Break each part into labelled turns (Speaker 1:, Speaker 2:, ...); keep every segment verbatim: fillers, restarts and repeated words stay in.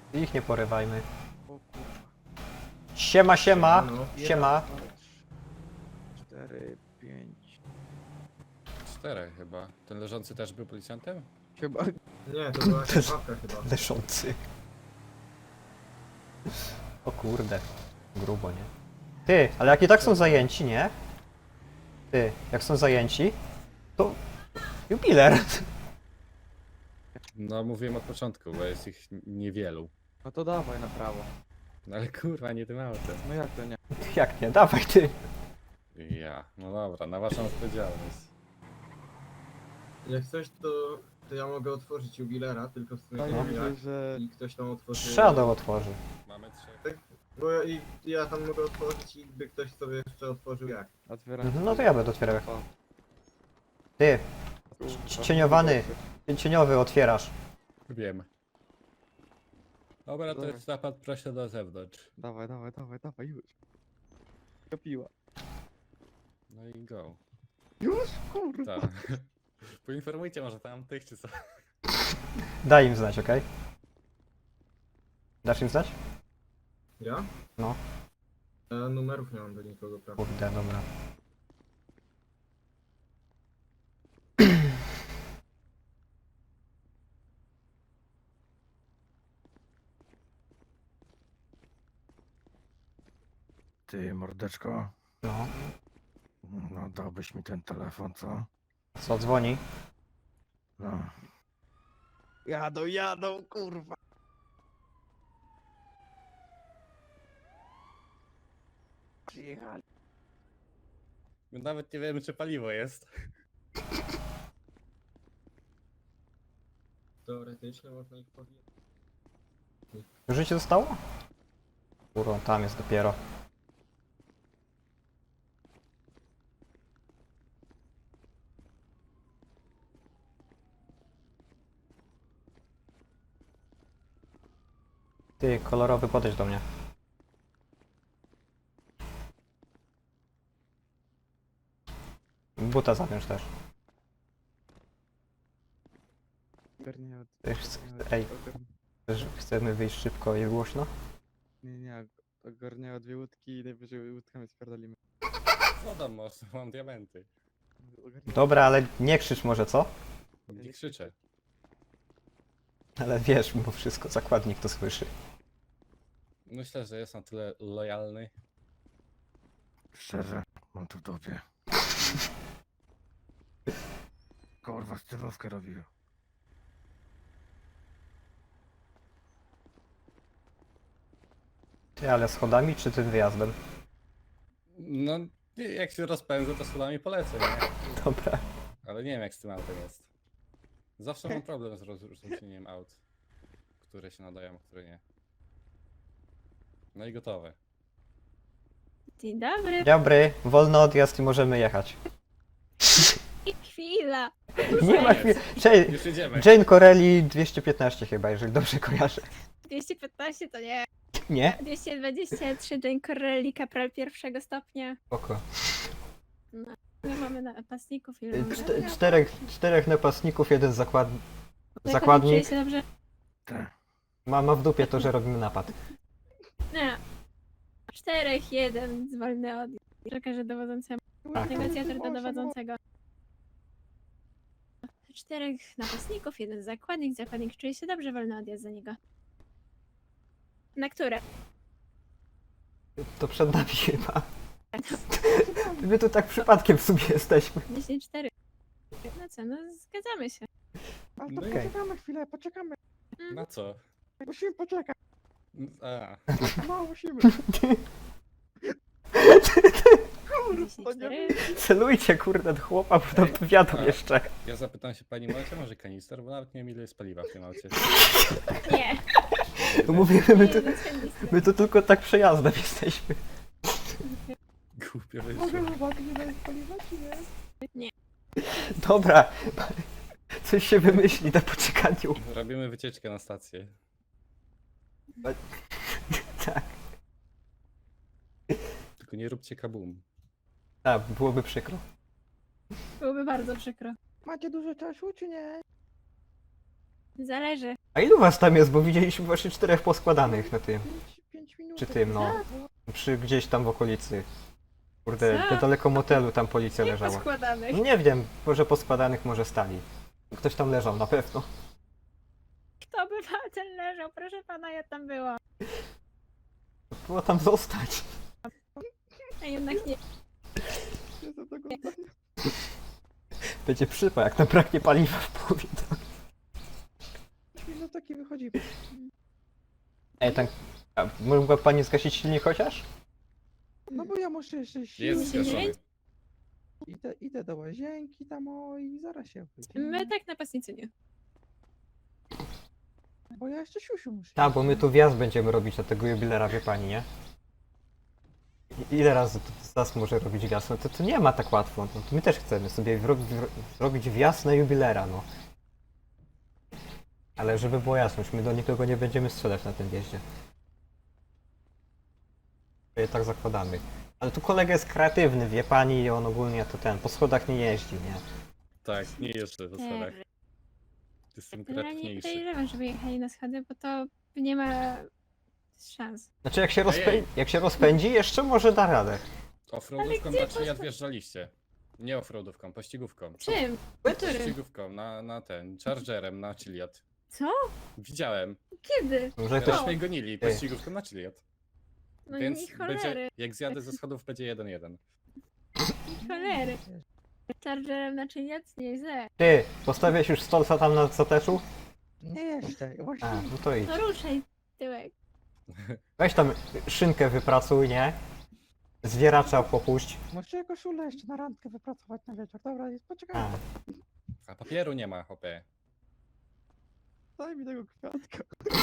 Speaker 1: Ich nie porywajmy.
Speaker 2: O kurwa.
Speaker 1: Siema, siema.
Speaker 3: No.
Speaker 1: Siema.
Speaker 2: Cztery, pięć.
Speaker 4: Czterech chyba. Ten leżący też był policjantem?
Speaker 2: Chyba.
Speaker 3: Nie, to była jakaś babka chyba.
Speaker 1: Leszący. O kurde. Grubo, nie? Ty, ale jak i tak są zajęci, nie? Ty, jak są zajęci, to... Jubiler.
Speaker 4: No mówiłem od początku, bo jest ich niewielu.
Speaker 2: No to dawaj na prawo.
Speaker 4: No ale kurwa, nie tym autem.
Speaker 2: No jak to nie?
Speaker 1: Jak nie? Dawaj ty.
Speaker 4: Ja. No dobra, na waszą odpowiedzialność.
Speaker 3: Jak coś, to, to ja mogę otworzyć jubilera, tylko w sumie
Speaker 2: No
Speaker 3: nie
Speaker 2: ja
Speaker 3: wiem
Speaker 2: widzę,
Speaker 3: jak.
Speaker 2: że...
Speaker 3: I ktoś tam otworzy...
Speaker 1: Shadow otworzy.
Speaker 4: Mamy trzech.
Speaker 3: Bo ja, i, ja tam mogę otworzyć i by ktoś sobie jeszcze otworzył jak.
Speaker 2: Otwieram.
Speaker 1: Mhm, no to ja będę otwierał.
Speaker 2: O,
Speaker 1: Ty,
Speaker 2: kurwa.
Speaker 1: cieniowany. cieniowy otwierasz.
Speaker 4: Wiem. Dobra, to
Speaker 2: Dobra.
Speaker 4: jest napad, proszę do zewnątrz.
Speaker 2: Dawaj, dawaj, dawaj, dawaj, już. Kopiła.
Speaker 4: No i go.
Speaker 2: Już? Kurwa.
Speaker 4: Tak. Poinformujcie może tam tych czy co.
Speaker 1: Daj im znać, okej? Dasz im znać?
Speaker 3: Ja?
Speaker 1: No.
Speaker 3: Ja numerów nie mam do nikogo, prawda?
Speaker 1: Kurde, dobra.
Speaker 5: Ty, mordeczko,
Speaker 1: No.
Speaker 5: no dałbyś mi ten telefon, co?
Speaker 1: Co, dzwoni?
Speaker 5: No.
Speaker 2: Jadą, jadą, kurwa. Przyjechali.
Speaker 4: My nawet nie wiemy czy paliwo jest.
Speaker 3: Teoretycznie można ich powiedzieć.
Speaker 1: Już życie zostało? Kurwa, tam jest dopiero. Ty, kolorowy, podejdź do mnie. Buta zawiąż też.
Speaker 2: Ogarniają.
Speaker 1: Ty, chce- Ej, też chcemy wyjść szybko i głośno?
Speaker 2: Nie, nie, ogarniają dwie łódki i najwyżej łódkami spierdolimy.
Speaker 4: Co tam masz? Mam diamenty.
Speaker 2: Ogarniają.
Speaker 1: Dobra, ale nie krzycz może, co?
Speaker 4: Nie krzyczę.
Speaker 1: Ale wiesz, mimo wszystko zakładnik to słyszy.
Speaker 4: Myślę, że jest na tyle lojalny.
Speaker 5: Szczerze, mam tu w dupie. Kurwa, stylówkę robił.
Speaker 1: Ty, ale schodami czy tym wyjazdem?
Speaker 4: No, jak się rozpędzę, to schodami polecę, nie?
Speaker 1: Dobra.
Speaker 4: Ale nie wiem jak z tym autem jest. Zawsze mam problem z rozróżnieniem aut. Które się nadają, a które nie. No i gotowe.
Speaker 6: Dzień dobry.
Speaker 1: Dobry, wolny odjazd i możemy jechać.
Speaker 6: Chwila.
Speaker 1: Nie ma chwili. Cześć,
Speaker 4: Już jedziemy.
Speaker 1: Jane Corelli dwieście piętnaście chyba, jeżeli dobrze kojarzę.
Speaker 6: dwieście piętnaście to nie.
Speaker 1: Nie?
Speaker 6: dwieście dwadzieścia trzy Jane Corelli, kapral pierwszego stopnia.
Speaker 1: Oko.
Speaker 6: My mamy napastników i mamy...
Speaker 1: Czte, czterech, czterech napastników, jeden zakład...
Speaker 6: Czuje
Speaker 1: zakładnik.
Speaker 6: się dobrze?
Speaker 5: Tak.
Speaker 1: Ma, ma w dupie to, że robimy napad.
Speaker 6: Nie. Czterech, jeden zwolny od... Przekażę dowodzącemu.
Speaker 1: Tak.
Speaker 6: Negocjator do dowodzącego. Czterech napastników, jeden zakładnik. Zakładnik czuje się dobrze, wolny odjazd za niego. Na które?
Speaker 1: To przed nami chyba. My tu tak przypadkiem w sumie jesteśmy.
Speaker 6: dziesięć cztery. No co, no zgadzamy się.
Speaker 2: Ale to
Speaker 1: Okej.
Speaker 2: poczekamy chwilę, poczekamy.
Speaker 4: Na co?
Speaker 2: Musimy poczekać.
Speaker 4: A,
Speaker 2: No, musimy.
Speaker 6: dziesięć cztery.
Speaker 1: Celujcie kurde do chłopa, bo tam
Speaker 4: Ej,
Speaker 1: powiadam
Speaker 4: a-
Speaker 1: jeszcze.
Speaker 4: ja zapytam się pani Marcia, może kanister, bo nawet nie wiem ile jest paliwa w tym aucie.
Speaker 6: Nie.
Speaker 1: Mówimy, my
Speaker 6: Nie,
Speaker 1: tu,
Speaker 6: no chętnie.
Speaker 1: my tu tylko tak przejazdem jesteśmy.
Speaker 4: Głupio
Speaker 2: Mogę
Speaker 4: wyszło.
Speaker 2: zobaczyć, ile jest paliwa, czy nie?
Speaker 1: Dobra. Coś się wymyśli na poczekaniu.
Speaker 4: Robimy wycieczkę na stację.
Speaker 1: Tak.
Speaker 4: Tylko nie róbcie kabum.
Speaker 1: Tak, byłoby przykro.
Speaker 6: Byłoby bardzo przykro.
Speaker 2: Macie dużo czasu, czy nie?
Speaker 6: Zależy.
Speaker 1: A ilu was tam jest? Bo widzieliśmy właśnie czterech poskładanych na tym.
Speaker 2: Pięć, pięć minut.
Speaker 1: Czy tym, no. Przy gdzieś tam w okolicy. Kurde,
Speaker 6: Co?
Speaker 1: niedaleko motelu tam policja
Speaker 6: Jak
Speaker 1: leżała.
Speaker 6: poskładanych.
Speaker 1: No nie wiem, może poskładanych, może stali. Ktoś tam leżał, na pewno.
Speaker 6: Kto by ten leżał? Proszę pana, ja tam byłam.
Speaker 1: Było tam zostać.
Speaker 6: A jednak nie.
Speaker 2: Jestem tego zdania.
Speaker 1: Będzie przypał, jak zabraknie paliwa w połowie drogi.
Speaker 2: pięć minut taki wychodzi.
Speaker 1: Ej, tak... A mogła pani zgasić silnik chociaż?
Speaker 2: No bo ja muszę jeszcze
Speaker 4: Jest
Speaker 2: siły.
Speaker 4: zgaszony.
Speaker 2: Idę, idę do łazienki tam o i zaraz się wyjdzie.
Speaker 6: My tak napastnicy nie.
Speaker 2: Bo ja jeszcze siusiu muszę.
Speaker 1: Tak, bo my tu wjazd będziemy robić na tego jubilera, wie pani, nie? I- Ile razy to zas może robić wjazd? No to, to nie ma tak łatwo. No, to my też chcemy sobie wro- wro- zrobić wjazd na jubilera, no. Ale żeby było jasność, my do nikogo nie będziemy strzelać na tym wjeździe. To je tak zakładamy. Ale tu kolega jest kreatywny, wie pani, i on ogólnie to ten, po schodach nie jeździ, nie?
Speaker 4: Tak, nie jeszcze po schodach. Jestem
Speaker 6: Ja nie
Speaker 4: kreatywniejszy.
Speaker 6: podejrzewam, żeby jechali na schody, bo to nie ma szans.
Speaker 1: Znaczy jak się, rozpę-
Speaker 4: Ojej.
Speaker 1: jak się rozpędzi, jeszcze może da radę.
Speaker 4: Offroadówką
Speaker 6: gdzie
Speaker 4: raczej
Speaker 6: poszło-
Speaker 4: odwjeżdżaliście. Nie offroadówką, pościgówką.
Speaker 6: Czym? Którym?
Speaker 4: Pościgówką, na, na ten, chargerem, na Chiliad.
Speaker 6: Co?
Speaker 4: Widziałem.
Speaker 6: Kiedy?
Speaker 1: Może ktoś...
Speaker 4: Też mnie gonili pościgówką na Chiliad.
Speaker 6: No
Speaker 4: Więc
Speaker 6: nie
Speaker 4: będzie,
Speaker 6: cholery,
Speaker 4: jak zjadę ze schodów, będzie jeden jeden.
Speaker 6: cholery. Chargerem na czyniec? Nie źle.
Speaker 1: Ty, postawiłeś już stolca tam na zateczu?
Speaker 2: Nie jeszcze, właśnie.
Speaker 1: A, no to idź.
Speaker 6: No ruszaj tyłek.
Speaker 1: Weź tam szynkę wypracuj, nie? Zwieracza popuść.
Speaker 2: Muszę koszulę jeszcze na randkę wypracować na wieczór. Dobra, jest, poczekaj.
Speaker 1: A,
Speaker 4: A papieru nie ma, hopie.
Speaker 2: Daj mi tego kwiatka.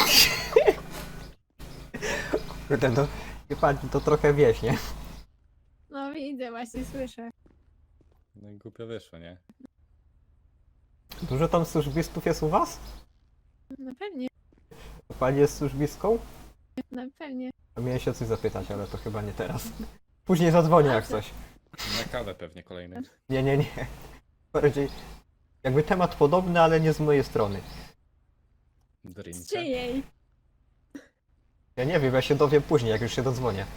Speaker 1: kurde, no, wie pani, to trochę wieś, nie?
Speaker 6: No widzę, właśnie słyszę.
Speaker 4: No i głupio wyszło, nie?
Speaker 1: Dużo tam służbistów jest u was?
Speaker 6: No pewnie,
Speaker 1: Pani jest służbistką?
Speaker 6: no pewnie.
Speaker 1: A miałem się o coś zapytać, ale to chyba nie teraz. Później zadzwonię jak coś.
Speaker 4: Na kawę pewnie kolejny.
Speaker 1: Nie, nie, nie. Bardziej jakby temat podobny, ale nie z mojej strony.
Speaker 6: Z
Speaker 4: Drinka.
Speaker 6: czyjej?
Speaker 1: Ja nie wiem, ja się dowiem później, jak już się dodzwonię.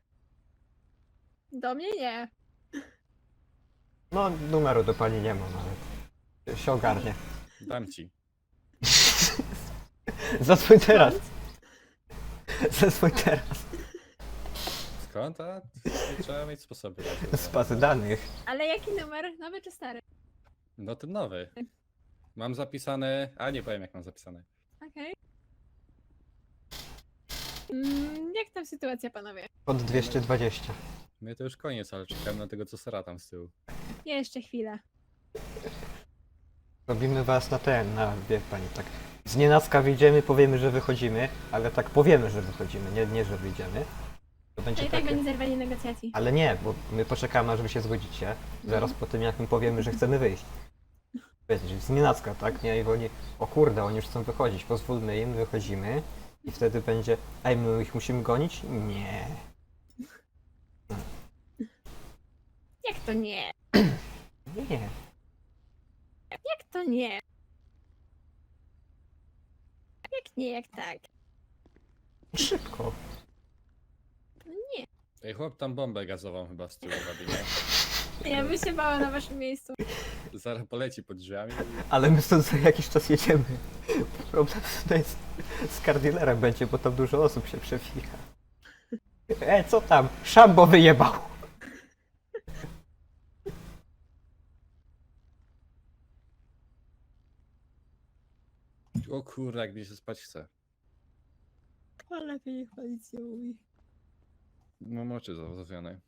Speaker 6: Do mnie nie.
Speaker 1: No, numeru do pani nie mam, ale się ogarnie.
Speaker 4: Dam ci.
Speaker 1: Zadzwoń teraz. Zadzwoń teraz.
Speaker 4: Skąd? A trzeba mieć sposoby.
Speaker 1: Z bazy danych.
Speaker 6: Ale jaki numer? Nowy czy stary?
Speaker 4: No ten nowy. Mam zapisane. A nie powiem jak mam zapisane.
Speaker 6: Okej. Mm, jak tam sytuacja, panowie?
Speaker 1: Kod dwieście dwadzieścia.
Speaker 4: My to już koniec, ale czekałem na tego co sera tam z tyłu.
Speaker 6: Jeszcze chwilę.
Speaker 1: Robimy was na ten, na, wie pani, tak. Z nienacka wyjdziemy, powiemy, że wychodzimy, ale tak powiemy, że wychodzimy, nie, nie że wyjdziemy. To
Speaker 6: To
Speaker 1: będzie
Speaker 6: i tak
Speaker 1: takie...
Speaker 6: będzie zerwanie negocjacji.
Speaker 1: Ale nie, bo my poczekamy, aż wy się zgodzicie. Zaraz po tym, jak my powiemy, że chcemy wyjść. Wiecie, z nienacka, tak? Nie? I oni, o kurde, oni już chcą wychodzić, pozwólmy im, wychodzimy. I wtedy będzie, ej, my ich musimy gonić? Nie.
Speaker 6: Jak to nie?
Speaker 1: Nie.
Speaker 6: Jak to nie? Jak nie, jak tak?
Speaker 1: Szybko.
Speaker 6: No nie.
Speaker 4: Ej, chłop tam bombę gazową chyba z tyłu robi, nie?
Speaker 6: Ja bym się bała na waszym miejscu.
Speaker 4: Zaraz poleci pod drzwiami.
Speaker 1: Ale my stąd za jakiś czas jedziemy. Problem to jest z kardilerem będzie, bo tam dużo osób się przewija. E, co tam? Szambo wyjebał.
Speaker 4: O kurde, jak mi się spać chce.
Speaker 6: Ale lepiej niech policja mówi.
Speaker 4: Mam oczy zawozowione.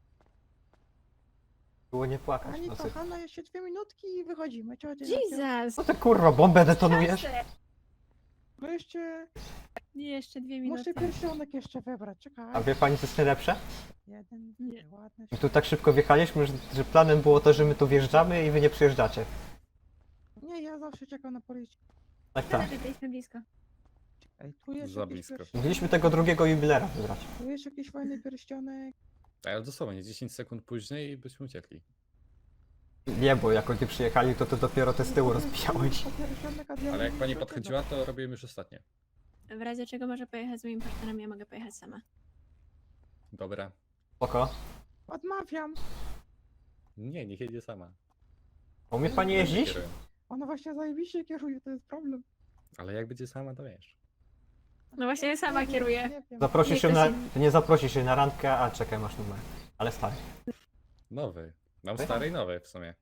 Speaker 1: Było nie płakać w
Speaker 2: Pani
Speaker 1: nocy.
Speaker 2: kochana, jeszcze dwie minutki i wychodzimy. Ciao, ciao,
Speaker 6: Jesus!
Speaker 1: Co ty kurwa, bombę detonujesz?
Speaker 6: Proszę.
Speaker 2: No jeszcze,
Speaker 6: Nie, jeszcze dwie
Speaker 2: muszę
Speaker 6: minuty.
Speaker 2: pierścionek jeszcze wybrać, czekaj.
Speaker 1: A wie pani, co jest najlepsze?
Speaker 2: Jeden,
Speaker 6: Nie.
Speaker 2: ładny.
Speaker 1: My tu tak szybko wjechaliśmy, że, że planem było to, że my tu wjeżdżamy i wy nie przyjeżdżacie.
Speaker 2: Nie, ja zawsze czekam na policję.
Speaker 1: Tak,
Speaker 6: Ale
Speaker 1: tak.
Speaker 6: byliśmy blisko.
Speaker 2: Ej, tu jest
Speaker 4: Za
Speaker 2: jakiś
Speaker 4: blisko.
Speaker 2: pierścionek.
Speaker 1: Mogliśmy tego drugiego jubilera wybrać.
Speaker 2: Tu jest jakiś fajny pierścionek.
Speaker 4: Ale dosłownie dziesięć sekund później i byśmy uciekli.
Speaker 1: Nie, bo jak oni przyjechali, to ty dopiero te z tyłu rozbijałeś.
Speaker 4: Ale jak pani podchodziła, to robiłem już ostatnie.
Speaker 6: W razie czego może pojechać z moimi partnerami, ja mogę pojechać sama.
Speaker 4: Dobra.
Speaker 1: Spoko.
Speaker 5: Odmawiam.
Speaker 4: Nie, niech jedzie sama.
Speaker 1: Umie pani jeździć?
Speaker 4: Kieruję.
Speaker 5: Ona właśnie zajebiście kieruje, to jest problem.
Speaker 4: Ale jak będzie sama, to wiesz.
Speaker 6: No właśnie ja sama
Speaker 5: Nie wiem,
Speaker 6: kieruję.
Speaker 5: nie wiem.
Speaker 1: Zaprosisz
Speaker 6: Nie,
Speaker 1: się
Speaker 6: to
Speaker 1: na...
Speaker 6: się-
Speaker 1: Ty nie zaprosisz się na randkę, a czekaj, masz numer. Ale stary.
Speaker 4: Nowy. Mam
Speaker 1: Ty?
Speaker 4: stary i nowy w sumie.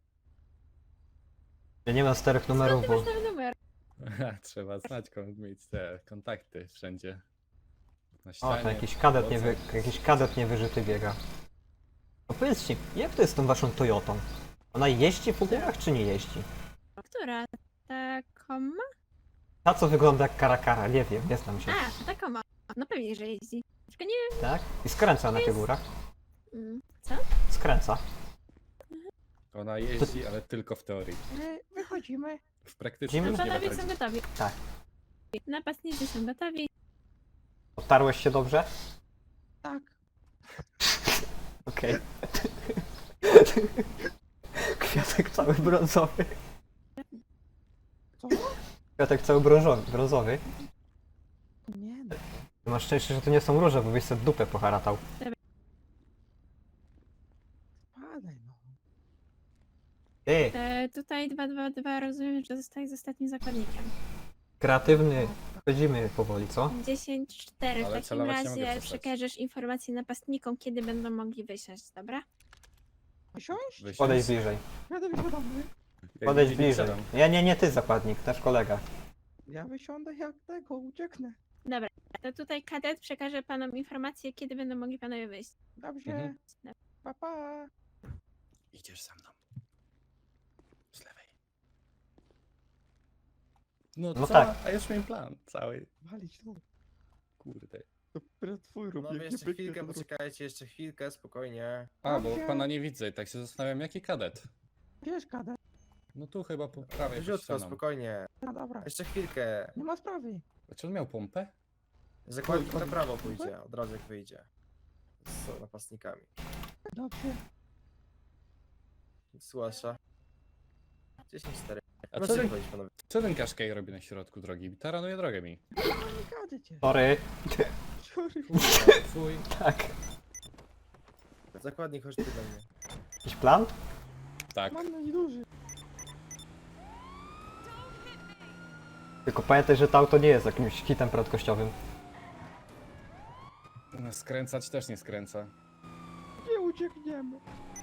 Speaker 1: Ja nie mam starych numerów,
Speaker 6: Ty
Speaker 1: bo...
Speaker 6: masz nowy numer.
Speaker 4: Trzeba znać, kon- mieć te kontakty wszędzie. Na
Speaker 1: O,
Speaker 4: ścianie,
Speaker 1: to jakiś kadet, nie
Speaker 4: w nocy.
Speaker 1: wy... jakiś kadet niewyżyty biega. No powiedzcie, jak to jest z tą waszą Toyotą? Ona jeździ po górach, czy nie jeździ?
Speaker 6: Która? Ta koma?
Speaker 1: Ta, co wygląda jak karakara, nie wiem, nie znam się.
Speaker 6: A, ta koma. No pewnie, że jeździ. Tylko nie
Speaker 1: Tak? I skręca na tych górach.
Speaker 6: mm, co?
Speaker 1: Skręca.
Speaker 4: Ona jeździ, ale tylko w teorii.
Speaker 5: My wychodzimy.
Speaker 4: W praktyce
Speaker 1: Widzimy?
Speaker 4: już nie ma
Speaker 6: Panowie
Speaker 4: tak.
Speaker 6: są gotowi.
Speaker 1: Tak.
Speaker 6: Napastnicy są gotowi.
Speaker 1: Otarłeś się dobrze?
Speaker 5: Tak.
Speaker 1: Okej. Kwiatek cały brązowy.
Speaker 5: Co?
Speaker 1: Kwiatek cały brązowy. brązowy.
Speaker 5: Nie no.
Speaker 1: Ty masz szczęście, że to nie są róże, bo byś sobie dupę poharatał.
Speaker 5: Spadaj no.
Speaker 1: Ty,
Speaker 6: E, tutaj dwa dwa dwa rozumiem, że zostaje z ostatnim zakładnikiem.
Speaker 1: kreatywny. Chodzimy powoli, co?
Speaker 6: dziesięć cztery. W
Speaker 4: Ale
Speaker 6: takim
Speaker 4: celować nie mogę
Speaker 6: razie
Speaker 4: przestać.
Speaker 6: przekażesz informacje napastnikom, kiedy będą mogli wysiąść, dobra?
Speaker 5: Siąść?
Speaker 4: Wysiąść.
Speaker 1: Podejdź bliżej.
Speaker 5: Jadę wysiadamy.
Speaker 4: Jak
Speaker 1: Podejdź
Speaker 4: widzieli,
Speaker 1: bliżej.
Speaker 4: siadam.
Speaker 1: Nie, nie, nie ty zakładnik, nasz kolega.
Speaker 5: Ja wysiądę jak tego, ucieknę.
Speaker 6: Dobra, to tutaj kadet przekaże panom informacje, kiedy będą mogli panowie wyjść.
Speaker 5: Dobrze.
Speaker 4: Mhm.
Speaker 5: Pa, pa.
Speaker 4: Idziesz za mną. Z lewej. No,
Speaker 1: No
Speaker 4: co?
Speaker 1: tak.
Speaker 4: A już miałem plan cały.
Speaker 5: Walić tu.
Speaker 4: Kurde.
Speaker 5: To twój rób,
Speaker 3: No jeszcze chwilkę, poczekajcie, jeszcze chwilkę, spokojnie.
Speaker 4: A, bo
Speaker 5: Dobrze.
Speaker 4: pana nie widzę i tak się zastanawiam, jaki kadet?
Speaker 5: Wiesz, kadet.
Speaker 4: No tu chyba po prawej pod
Speaker 3: Wrzucko,
Speaker 4: ścianą.
Speaker 3: spokojnie.
Speaker 5: No dobra.
Speaker 3: Jeszcze chwilkę.
Speaker 5: Nie ma sprawy.
Speaker 4: A czy on miał pompę?
Speaker 3: Zakładnik na prawo pójdzie, od razu jak wyjdzie. Z napastnikami.
Speaker 5: Dobrze.
Speaker 3: Zgłasza. dziesięć cztery.
Speaker 4: A co
Speaker 3: Możecie
Speaker 4: ten,
Speaker 3: wychodzić, panowie.
Speaker 4: co ten Kaszkej robi na środku drogi? Taranuje drogę mi.
Speaker 5: Nie gadę cię.
Speaker 1: Sorry.
Speaker 5: Sorry.
Speaker 4: Twój.
Speaker 1: Tak.
Speaker 3: Zakładnik, chodź tu do mnie.
Speaker 1: Jakiś plan?
Speaker 4: Tak.
Speaker 5: Mam na nieduży.
Speaker 1: Tylko pamiętaj, że to auto nie jest jakimś hitem prędkościowym.
Speaker 4: No, skręcać też nie skręca.
Speaker 5: Nie uciekniemy.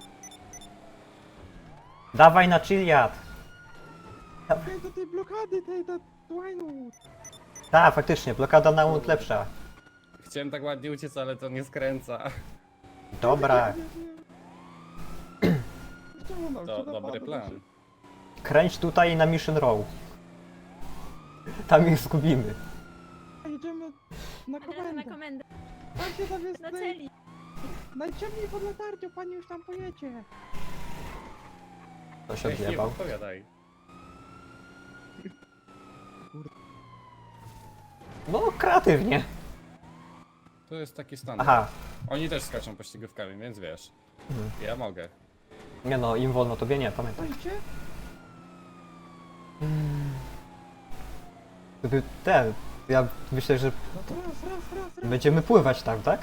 Speaker 1: Dawaj na chilliad!
Speaker 5: Hej, do tej blokady, tej, do Winewood.
Speaker 1: Tak, faktycznie, blokada na łód lepsza.
Speaker 4: Chciałem tak ładnie uciec, ale to nie skręca.
Speaker 1: Dobra,
Speaker 5: Nie, nie, nie. Ściągnął
Speaker 4: To
Speaker 5: się,
Speaker 4: dobry
Speaker 5: napadł
Speaker 4: plan.
Speaker 5: się.
Speaker 1: kręć tutaj na Mission Row. Tam ich zgubimy.
Speaker 5: Jedziemy na
Speaker 6: Od razu na
Speaker 5: komendę.
Speaker 6: komendę,
Speaker 5: Tam się tam jest
Speaker 6: do
Speaker 5: naj...
Speaker 6: celi.
Speaker 5: najciemniej pod latarnią, pani już tam pojedzie.
Speaker 1: To się
Speaker 4: Ej, nie
Speaker 1: odjebał.
Speaker 4: odpowiadaj.
Speaker 1: No, kreatywnie.
Speaker 4: To jest taki standard.
Speaker 1: Aha.
Speaker 4: Oni też skaczą pościgówkami, więc wiesz.
Speaker 1: Mhm.
Speaker 4: Ja mogę.
Speaker 1: Nie no, im wolno, tobie nie, pamiętaj.
Speaker 5: Stoicie?
Speaker 1: Gdyby ten, ja myślę, że
Speaker 5: No to raz, raz, raz, raz.
Speaker 1: będziemy pływać tam, tak?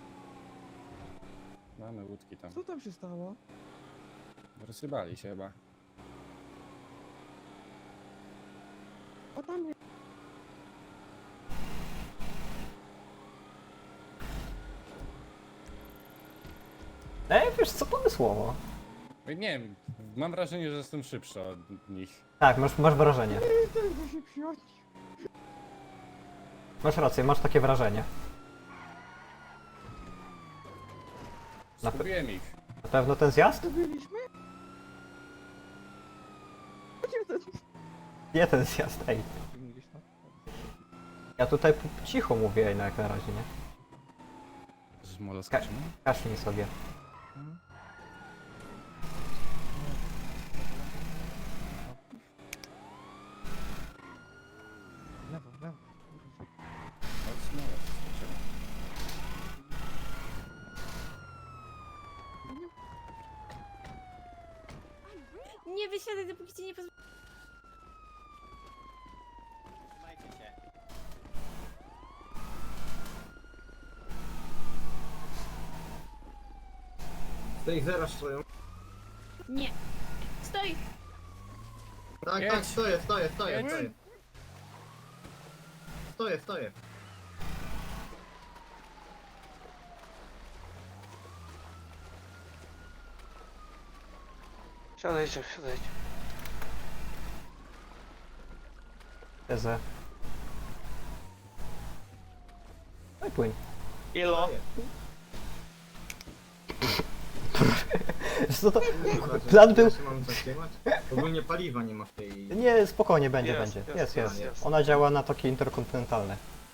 Speaker 4: Mamy łódki tam.
Speaker 5: Co tam się stało?
Speaker 4: Rozrybali się chyba.
Speaker 5: O tam jest.
Speaker 1: Ej, wiesz co, pomysłowo.
Speaker 4: Ej, Nie wiem, mam wrażenie, że jestem szybszy od nich.
Speaker 1: Tak, masz, masz wrażenie.
Speaker 5: Ej, tego się przyjąć.
Speaker 1: Masz rację, masz takie wrażenie. Na pe-
Speaker 4: Zgubiłem ich.
Speaker 1: Na pewno ten zjazd?
Speaker 5: To byliśmy? Gdzie ten?
Speaker 1: Nie ten zjazd, ej. Ja tutaj p- cicho mówię ej, no jak na razie, nie?
Speaker 4: Z moloskaczem?
Speaker 1: Kaszlij sobie.
Speaker 5: Lewo, lewo.
Speaker 6: siadaj, dopóki cię nie pozwolę.
Speaker 3: Z tych zaraz stoją.
Speaker 6: Nie. Stoj!
Speaker 3: Tak,
Speaker 4: Jedź.
Speaker 3: tak, stoję, stoję, stoję,
Speaker 4: Jedź.
Speaker 3: stoję. Stoję, stoję.
Speaker 7: Siadajcie, siadajcie.
Speaker 1: Tezę. No i płyń.
Speaker 7: Ilo?
Speaker 1: Co to?
Speaker 3: Kurwa, że
Speaker 1: Plan był...
Speaker 3: ja się mam zatrzymać? Ogólnie paliwa nie ma w tej...
Speaker 1: Nie, spokojnie, będzie,
Speaker 7: Jest,
Speaker 1: będzie.
Speaker 7: jest,
Speaker 1: Jest, jest.
Speaker 7: jest, jest.
Speaker 1: Ona działa na toki interkontynentalne.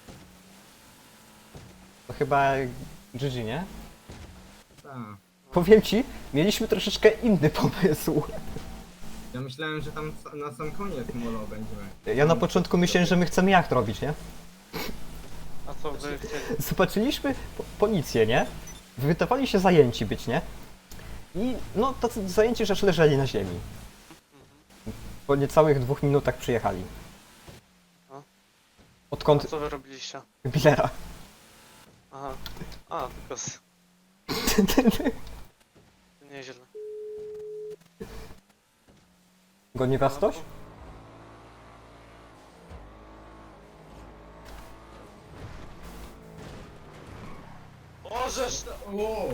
Speaker 1: To chyba G G, nie?
Speaker 3: Tak.
Speaker 1: Powiem ci, mieliśmy troszeczkę inny pomysł.
Speaker 3: Ja myślałem, że tam sa- na sam koniec molo będziemy.
Speaker 1: Ja na początku myślałem, że my chcemy jacht robić, nie?
Speaker 7: A co wy chcieli?
Speaker 1: Zobaczyliśmy po- policję, nie? Wydawali się zajęci być, nie? I no, tacy zajęci rzecz leżeli na ziemi. Po niecałych dwóch minutach przyjechali.
Speaker 7: A? A
Speaker 1: Odkąd
Speaker 7: co wy robiliście?
Speaker 1: Billera.
Speaker 7: Aha. A, tylko z... Nieźle.
Speaker 1: Goni was ktoś?
Speaker 7: O, żeż...
Speaker 3: O!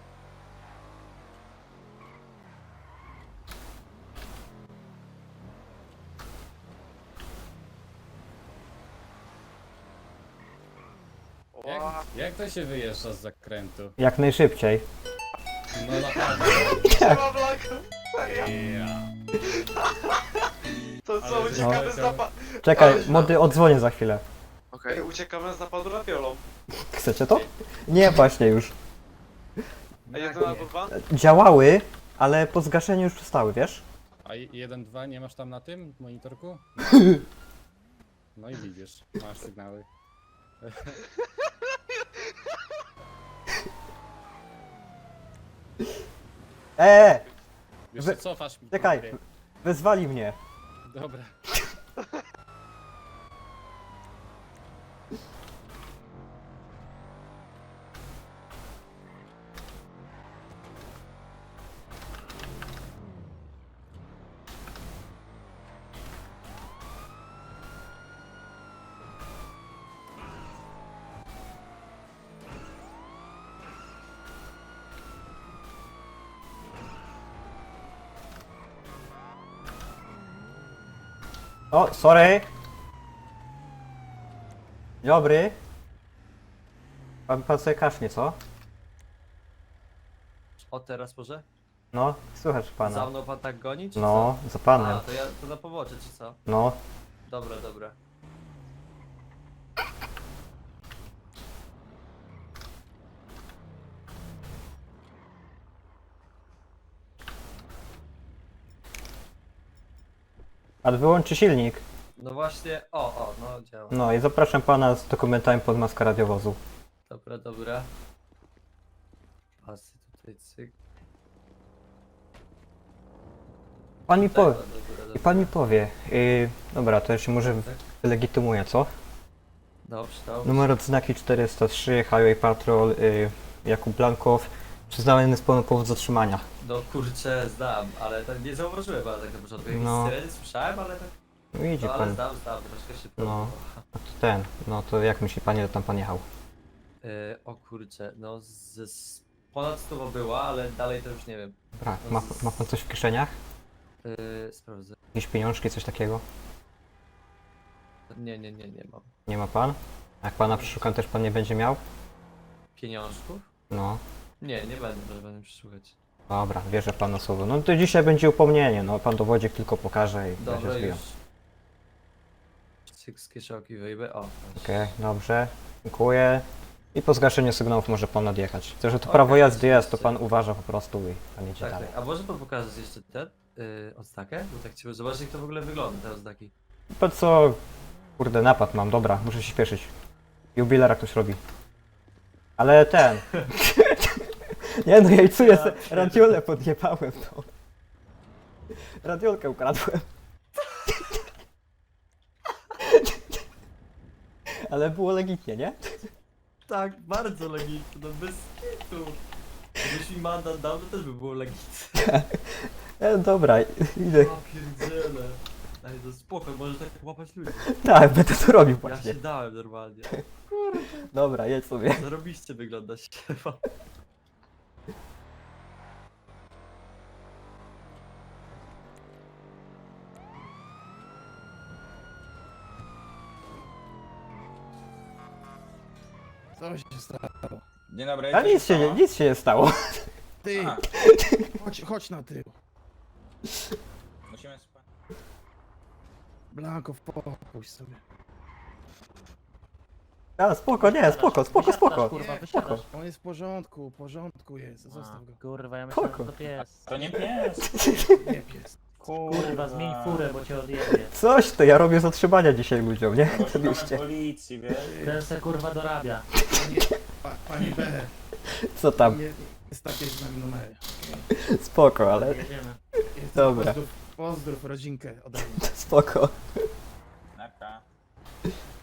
Speaker 4: Jak,
Speaker 7: Ła,
Speaker 4: jak to się wyjeżdża z zakrętu?
Speaker 1: Jak najszybciej.
Speaker 4: No naprawdę.
Speaker 7: trzeba blaku! Serio?
Speaker 4: Ja.
Speaker 7: To co,
Speaker 4: Ale
Speaker 7: uciekamy
Speaker 4: no.
Speaker 7: z napadu...
Speaker 1: Czekaj, mody, odzwonię za chwilę.
Speaker 7: Okej, uciekamy z napadu rapiolą.
Speaker 1: Chcecie to? Nie, właśnie już.
Speaker 7: A jeden albo dwa?
Speaker 1: Działały, ale po zgaszeniu już przestały, wiesz?
Speaker 4: A jeden, dwa nie masz tam na tym monitorku? No i widzisz, masz sygnały.
Speaker 1: Eee!
Speaker 4: Wiesz,
Speaker 1: Wy-
Speaker 4: co, cofasz mi.
Speaker 1: Czekaj,
Speaker 4: papiery.
Speaker 1: wezwali mnie.
Speaker 4: Dobra.
Speaker 1: O, sorry. Dobry. Pan, pan sobie kasznie, co?
Speaker 8: O, teraz może?
Speaker 1: No, słychać
Speaker 8: Za
Speaker 1: pana.
Speaker 8: mną pan tak goni, czy
Speaker 1: No, za
Speaker 8: co?
Speaker 1: panem.
Speaker 8: A, to ja to na pobocze, czy co?
Speaker 1: No.
Speaker 8: Dobra, dobra.
Speaker 1: A wyłączy silnik.
Speaker 8: No właśnie, o, o, no działa.
Speaker 1: No i zapraszam pana z dokumentami pod maskę radiowozu.
Speaker 8: Dobra, dobra. Pasy tutaj, cyk.
Speaker 1: Pan mi powie.
Speaker 8: Dobra, dobra,
Speaker 1: I
Speaker 8: dobra.
Speaker 1: pan mi powie. Yy, dobra, to jeszcze może
Speaker 8: Tak.
Speaker 1: wylegitymuję, co?
Speaker 8: Dobrze, dobrze.
Speaker 1: Numer odznaki czterysta trzy, Highway Patrol, yy, Jakub Blankow. Przyznany z pełną powód zatrzymania.
Speaker 8: No kurczę, znam, ale tak nie zauważyłem, ale tak na początku. Jakieś
Speaker 1: No.
Speaker 8: syreny słyszałem, ale tak.
Speaker 1: No idzie
Speaker 8: No ale
Speaker 1: pan.
Speaker 8: znam, znam, troszkę szybko.
Speaker 1: No.
Speaker 8: było.
Speaker 1: A to ten, no to jak myśli pan, ile tam pan jechał?
Speaker 8: Yy, o kurczę, no z, z ponad sto była, ale dalej to już nie wiem.
Speaker 1: Dobra, ma, ma pan coś w kieszeniach?
Speaker 8: Yy, sprawdzę.
Speaker 1: Jakieś pieniążki, coś takiego?
Speaker 8: Nie, nie, nie, nie mam.
Speaker 1: Nie ma pan? Jak pana przeszukam, też pan nie będzie miał?
Speaker 8: Pieniążków?
Speaker 1: No.
Speaker 8: Nie, nie będę, proszę będę przeszukać.
Speaker 1: Dobra, wierzę panu słowo. No to dzisiaj będzie upomnienie, no pan dowodzik tylko pokaże i będzie
Speaker 8: Dobra,
Speaker 1: zwijał.
Speaker 8: już. Cyk z kieszonki wyjmę. O, proszę.
Speaker 1: Okej, dobrze. Dziękuję. I po zgaszeniu sygnałów może pan odjechać. Chcę, że to
Speaker 8: Okej,
Speaker 1: prawo jazdy jest, to
Speaker 8: oczywiście.
Speaker 1: pan uważa po prostu i pan jedzie
Speaker 8: Tak,
Speaker 1: dalej.
Speaker 8: tak. A może pan pokazać jeszcze ten yy, odznakę? Bo tak chciałbym zobaczyć, jak to w ogóle wygląda, te odznaki.
Speaker 1: Po co? Kurde, napad mam, dobra, muszę się śpieszyć. Jubilera ktoś robi. Ale ten... Nie no, jajcuję se, radiolę podjebałem to. Radiolkę ukradłem. Ale było legitnie, nie?
Speaker 8: Tak, bardzo legitne, no bez kitu. Gdybyś mi mandat dał, to też by było legitne.
Speaker 1: E, dobra, idę.
Speaker 8: Ja pierdzielę. Ej, to spoko, możesz tak łapać ludzi.
Speaker 1: Tak, będę to robił
Speaker 8: Ja
Speaker 1: właśnie.
Speaker 8: się dałem normalnie.
Speaker 1: Dobra, jedź sobie.
Speaker 8: Zarobiście wygląda szefa.
Speaker 5: Co się stało?
Speaker 9: Dzień dobry.
Speaker 1: A nic się, nie, nic się nie stało.
Speaker 5: Ty,
Speaker 9: A.
Speaker 5: chodź, chodź na tył.
Speaker 9: Musimy spać.
Speaker 5: Blanko, popuść sobie.
Speaker 1: A, spoko, nie, spoko, spoko, spoko.
Speaker 10: Kurwa,
Speaker 1: Spoko.
Speaker 10: wysiadasz.
Speaker 5: On jest w porządku, w porządku jest, zostaw go.
Speaker 10: Kurwa, ja myślałem,
Speaker 1: Spoko.
Speaker 10: że to pies.
Speaker 9: To nie pies.
Speaker 5: Nie pies.
Speaker 10: Kurwa, zmień furę, bo cię odjebie.
Speaker 1: Coś to ja robię zatrzymania dzisiaj ludziom, nie?
Speaker 9: Bo szukamy
Speaker 1: Oczywiście.
Speaker 9: policji, wiesz?
Speaker 10: Ten se kurwa dorabia.
Speaker 5: Panie, pa, panie B,
Speaker 1: Co tam?
Speaker 5: nie, jest takie z nami numery.
Speaker 1: Spoko, ale
Speaker 10: Jedziemy.
Speaker 5: Jest,
Speaker 1: Dobra.
Speaker 5: Pozdrów, pozdrów rodzinkę ode mnie.
Speaker 1: spoko.
Speaker 9: Narka.